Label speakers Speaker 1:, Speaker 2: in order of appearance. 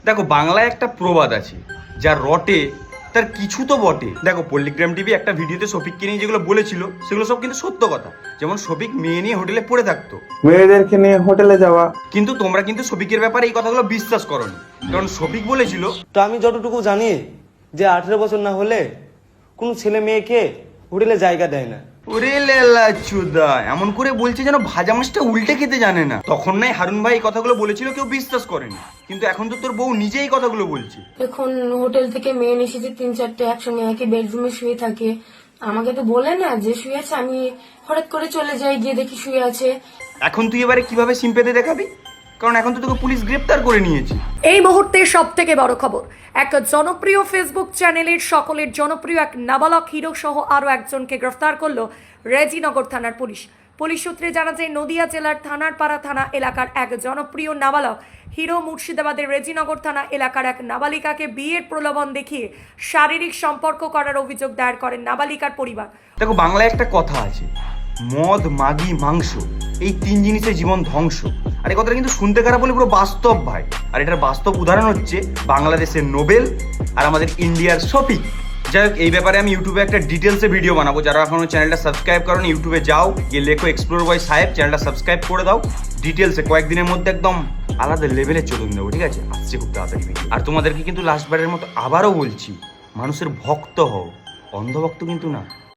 Speaker 1: দেখো বাংলায় একটা প্রবাদ আছে, যা রটে তার কিছু তো বটে। দেখো পল্লিগ্রাম টিভি একটা ভিডিওতে শফিককে নিয়ে যেগুলো বলেছিল সেগুলো সব কিন্তু সত্য কথা। যেমন শফিক মেয়ে নিয়ে হোটেলে পড়ে থাকতো,
Speaker 2: মেয়েদেরকে নিয়ে হোটেলে যাওয়া।
Speaker 1: কিন্তু তোমরা কিন্তু শফিকের ব্যাপারে এই কথাগুলো বিশ্বাস করোনি, কারণ শফিক বলেছিল
Speaker 3: তো আমি যতটুকু জানি যে 18 বছর না হলে কোনো ছেলে মেয়েকে হোটেলে জায়গা দেয় না।
Speaker 1: ওরে লেলা চুদা, এমন করে বলছে যেন ভাজা মাছটা উল্টে খেতে জানে না। তখন নাই হারুন ভাই এই কথাগুলো বলেছিল, কেউ বিশ্বাস করেনি, কিন্তু এখন তো তোর বউ নিজেই এই কথাগুলো বলছে।
Speaker 4: এখন হোটেল থেকে মেয়ে এসেছে 3-4টে একসঙ্গে একই বেডরুমে শুয়ে থাকে। আমাকে তো বলে না যে শুয়ে আছে, আমি হঠাৎ করে চলে যাই, গিয়ে দেখি শুয়ে আছে।
Speaker 1: এখন তুই এবারে কিভাবে সিম্পেতে দেখাবি, কারণ এখন তো তোকে পুলিশ গ্রেপ্তার করে নিয়েছে।
Speaker 5: এই মুহূর্তে সব থেকে বড় খবর, এক জনপ্রিয় ফেসবুক চ্যানেলের সকলের জনপ্রিয় এক নাবালক হিরো সহ আরও একজনকে গ্রেফতার করলো রেজিনগর থানার পুলিশ। পুলিশ সূত্রে জানা যায় নদিয়া জেলার থানারপাড়া থানা এলাকার এক জনপ্রিয় নাবালক হিরো মুর্শিদাবাদের রেজিনগর থানা এলাকার এক নাবালিকাকে বিয়ের প্রলোভন দেখিয়ে শারীরিক সম্পর্ক করার অভিযোগ দায়ের করেন নাবালিকার পরিবার।
Speaker 1: দেখো বাংলায় একটা কথা আছে, মদ মাগি মাংস এই তিন জিনিসের জীবন ধ্বংস। আর এই কথাটা কিন্তু শুনতে খারাপ বলে পুরো বাস্তব ভাই। আর এটার বাস্তব উদাহরণ হচ্ছে বাংলাদেশের নোবেল আর আমাদের ইন্ডিয়ার শফিক। যাই হোক, এই ব্যাপারে আমি ইউটিউবে একটা ডিটেলসে ভিডিও বানাবো। যারা এখনো চ্যানেলটা সাবস্ক্রাইব করেন ইউটিউবে যাও, গিয়ে লেখো এক্সপ্লোর বয় সাহেব, চ্যানেলটা সাবস্ক্রাইব করে দাও। ডিটেলসে কয়েকদিনের মধ্যে একদম আলাদা লেভেলে চলুন দেবো, ঠিক আছে? আসছে খুব তাড়াতাড়ি ভিডিও। আর তোমাদেরকে কিন্তু লাস্টবারের মতো আবারও বলছি, মানুষের ভক্ত হও, অন্ধভক্ত কিন্তু না।